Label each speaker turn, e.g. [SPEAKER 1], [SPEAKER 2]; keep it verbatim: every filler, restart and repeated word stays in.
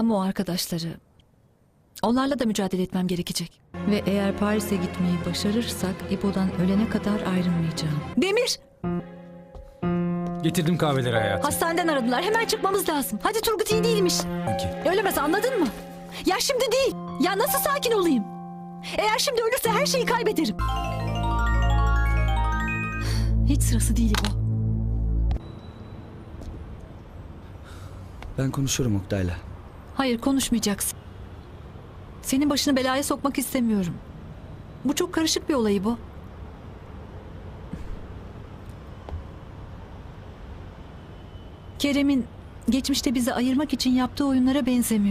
[SPEAKER 1] İbo'nun o arkadaşları. Onlarla da mücadele etmem gerekecek. Ve eğer Paris'e gitmeyi başarırsak İbo'dan ölene kadar ayrılmayacağım. Demir!
[SPEAKER 2] Getirdim kahveleri hayatım.
[SPEAKER 1] Hastaneden aradılar. Hemen çıkmamız lazım. Hadi Turgut iyi değilmiş.
[SPEAKER 2] Peki.
[SPEAKER 1] Ölemez, anladın mı? Ya şimdi değil. Ya nasıl sakin olayım? Eğer şimdi ölürse her şeyi kaybederim. Hiç sırası değil İbo.
[SPEAKER 3] Ben konuşurum Oktay'la.
[SPEAKER 1] Hayır, konuşmayacaksın. Senin başını belaya sokmak istemiyorum. Bu çok karışık bir olay bu. Kerem'in geçmişte bizi ayırmak için yaptığı oyunlara benzemiyor.